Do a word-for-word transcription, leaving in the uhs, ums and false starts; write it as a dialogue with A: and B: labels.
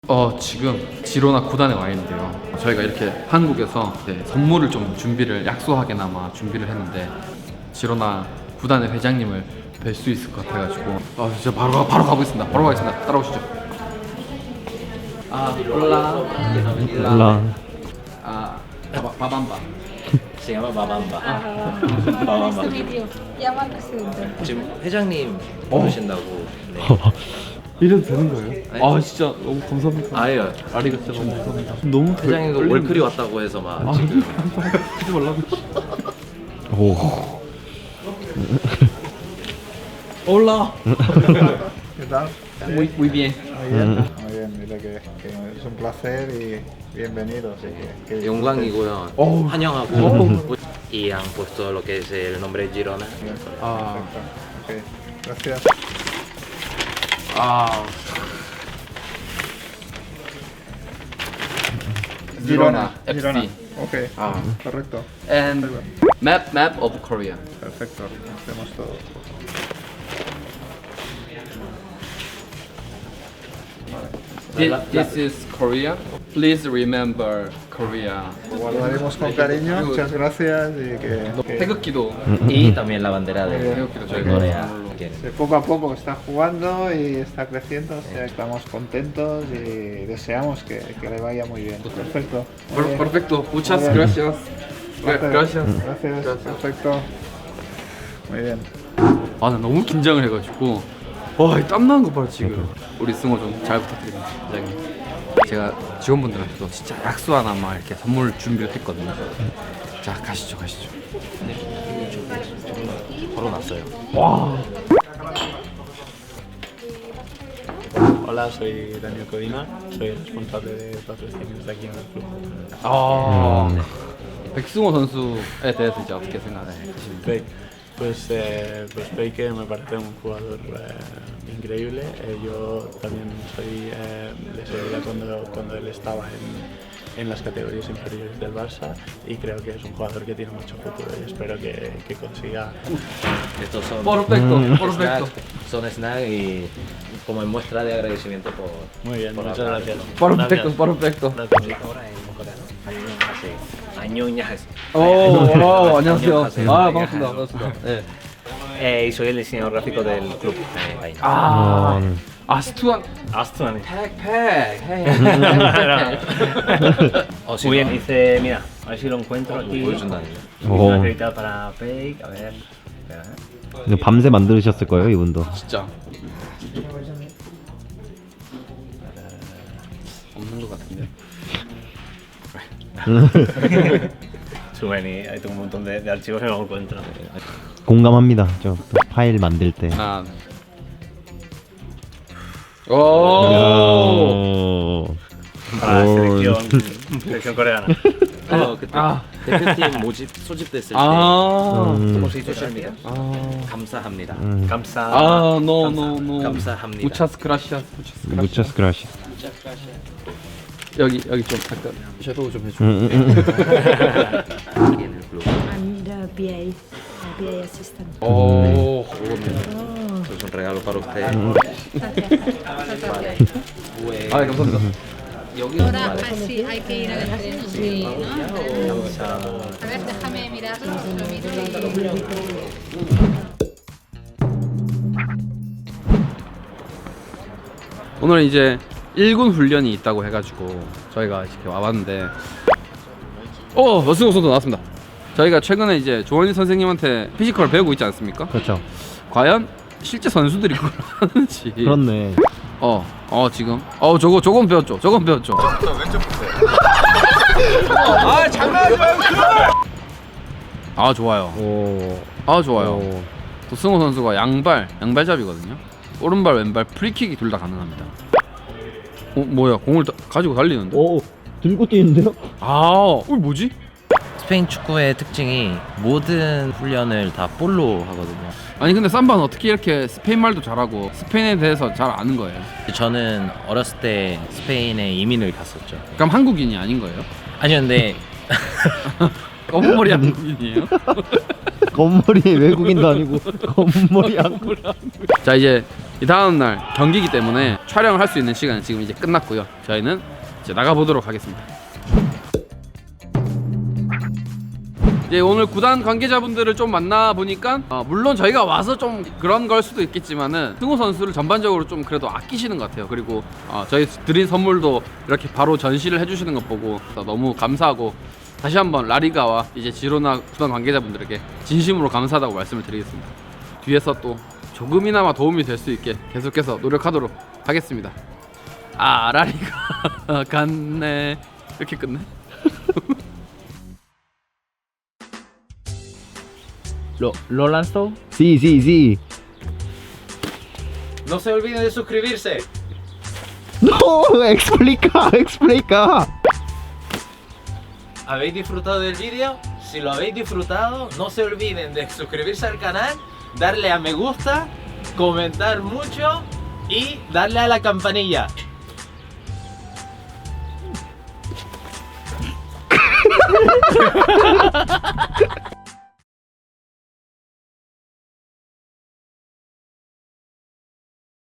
A: 어 지금 지로나 구단에 와 있는데요. 저희가 이렇게 한국에서 네, 선물을 좀 준비를 약소하게나마 준비를 했는데 지로나 구단의 회장님을 뵐 수 있을 것 같아가지고 아 진짜 바로 가, 바로 가보겠습니다. 바로 가겠습니다. 따라오시죠. 아 올라
B: 올라.
A: 아 바바, 바밤바.
C: Se llama Babamba.
D: Nice to meet you. Llama al presidente.
C: 지금 회장님 부르신다고. 네.
A: 이래도 되는 거예요? 아 진짜 너무 감사합니다.
C: 아예요.
A: 아리가또 너무 감사합니다. 너무
C: 회장님도
A: 떨리는데.
C: 월클이 왔다고 해서 막
A: 아,
C: 지금
A: 하지 말라고.
B: 오.
A: 올라.
E: ¿Qué tal?
A: Muy muy bien.
E: Muy bien, muy bien, dile que, que es un placer y bienvenido. Así que, que
C: 영광이고요.
A: 어우.
C: 환영하고. Y han puesto lo que es el nombre Girona.
E: Bien,
A: 아,
E: perfecto. Ok, gracias.
A: 아.
E: Girona,
A: F C.
E: Girona. Ok,
A: Ah.
E: correcto.
A: And map map of Korea.
E: Perfecto, hacemos todo.
A: This, this is Korea. Please remember Korea.
E: Lo guardaremos con cariño, muchas gracias y que, que
A: 태극기도
C: Y también la bandera de
A: 태극기도
C: de
A: 저희가
C: Corea.
A: 선물로.
E: que poco a poco está jugando y está creciendo, o sea, estamos contentos y deseamos que, que le vaya muy bien. Perfecto. Muy bien.
A: Perfecto. Muchas
E: Muy bien.
A: gracias.
E: Gracias.
A: Gracias.
E: Gracias. Perfecto. Muy bien.
A: 아, 나 너무 긴장을 해가지고 와, 이 땀나는 거 봐 지금. 우리 승호 좀 잘 부탁드립니다, 회장님. 제가 직원분들한테도 진짜 약수 하나만 이렇게 선물 준비를 했거든요. 자, 가시죠, 가시죠.
C: 걸어놨어요.
F: Hola, soy Daniel Codina, soy el responsable de patrocinios aquí en el club.
A: 아, 백승호 선수에 대해서 이제 어떻게 생각하시는지.
F: Peik, pues, eh, pues Peike me parece un jugador eh, increíble. Eh, yo también soy, eh, le seguía cuando, cuando él estaba en, en las categorías inferiores del Barça y creo que es un jugador que tiene mucho futuro y espero que, que consiga.
C: Estos son
A: Perfecto,
C: snacks,
A: perfecto.
C: son snacks y como en muestra de agradecimiento por.
F: Muy bien,
C: por
F: muchas
C: hablar.
F: gracias.
A: Perfecto, perfecto.
F: Gracias.
C: Ahora en coreano. Así. 안녕하세요.
A: 오, 오, 안녕하세요.
C: 안녕하세요.
A: 아, 반갑습니다. 반갑습니다. 네.
C: Eh, y soy el diseñador gráfico del club. Eh, ahí.
A: 아, 아스투안
F: Astuani.
A: 팩팩. 헤이.
C: O si
G: Muy
C: no,
G: bien, dice, mira, a ver si lo encuentro aquí.
C: 보여준다는.
B: 오.
G: Acreditado para Fake, a ver. Espera, ¿eh?
B: 이거 밤새 만드셨을 거예요, 이분도.
A: 진짜. 없는 것 같은데.
G: Subeni, ahí tengo un montón de, de archivos que no encuentro.
B: 공감합니다. 저 또 파일 만들 때.
A: 하나. 오.
B: 오.
G: Para la
B: 오.
G: selección, selección coreana.
C: 어, 그때
A: 아.
C: 대표팀 모집 소집됐을 때
A: 아.
B: 음.
C: 혹시 소셜미디어
A: 아.
C: 감사합니다.
B: 음.
G: Kamsa.
A: 아, no, no, no.
C: 감사합니다.
A: 무차스 그라시아스. 무차스 그라시아스.
B: 무차스 그라시.
A: 여기 여기 좀 잠깐 섀도우 좀 해줘.
B: 음, 음, 음.
C: Aquí en el club.
D: I'm the B A, uh, B A assistant.
A: 오.
C: Esto es un regalo para usted.
A: 아, 네, 감사합니다.
D: Ahora sí, hay que ir al estreno. Sí, ¿no? A ver, déjame mirarlo, lo miro y...
A: 오늘 이제 일군 훈련이 있다고 해가지고 저희가 이렇게 와봤는데, 어, 여승호 선수 나왔습니다. 저희가 최근에 이제 조원희 선생님한테 피지컬을 배우고 있지 않습니까?
B: 그렇죠.
A: 과연 실제 선수들이 그걸 하는지.
B: 그렇네.
A: 어, 어 지금, 어 저거 저건 배웠죠. 저건 배웠죠. 아 장난하지 말고. 아 좋아요.
B: 오.
A: 아 좋아요.
B: 오.
A: 또 승호 선수가 양발, 양발잡이거든요. 오른발, 왼발 프리킥이 둘 다 가능합니다. 어 뭐야? 공을 다, 가지고 달리는데?
B: 오. 들고 뛰는데요?
A: 아, 어 뭐지?
C: 스페인 축구의 특징이 모든 훈련을 다 볼로 하거든요.
A: 아니 근데 삼바는 어떻게 이렇게 스페인 말도 잘하고 스페인에 대해서 잘 아는 거예요?
C: 저는 어렸을 때 스페인에 이민을 갔었죠.
A: 그럼 한국인이 아닌 거예요?
C: 아니요, 근데
A: 검은머리 한국인이에요?
B: 겉머리 외국인도 아니고 겉머리 한국.
A: 자 이제 이 다음 날 경기이기 때문에 촬영을 할 수 있는 시간은 지금 이제 끝났고요. 저희는 이제 나가 보도록 하겠습니다. 이제 오늘 구단 관계자분들을 좀 만나 보니까 어, 물론 저희가 와서 좀 그런 걸 수도 있겠지만은 승우 선수를 전반적으로 좀 그래도 아끼시는 것 같아요. 그리고 어, 저희 드린 선물도 이렇게 바로 전시를 해주시는 것 보고 너무 감사하고 다시 한번 라리가와 이제 지로나 구단 관계자분들에게 진심으로 감사하다고 말씀을 드리겠습니다. 뒤에서 또 조금이나마 도움이 될 수 있게 계속해서 노력하도록 하겠습니다. 아 라리가 갔네. 이렇게 끝내?
C: ¿Lo, lo lanzó?
B: Sí, sí, sí.
C: No se olviden de suscribirse.
B: No, explica, explica.
C: ¿Habéis disfrutado del vídeo? Si lo habéis disfrutado, no se olviden de suscribirse al canal, darle a me gusta, comentar mucho y darle a la campanilla.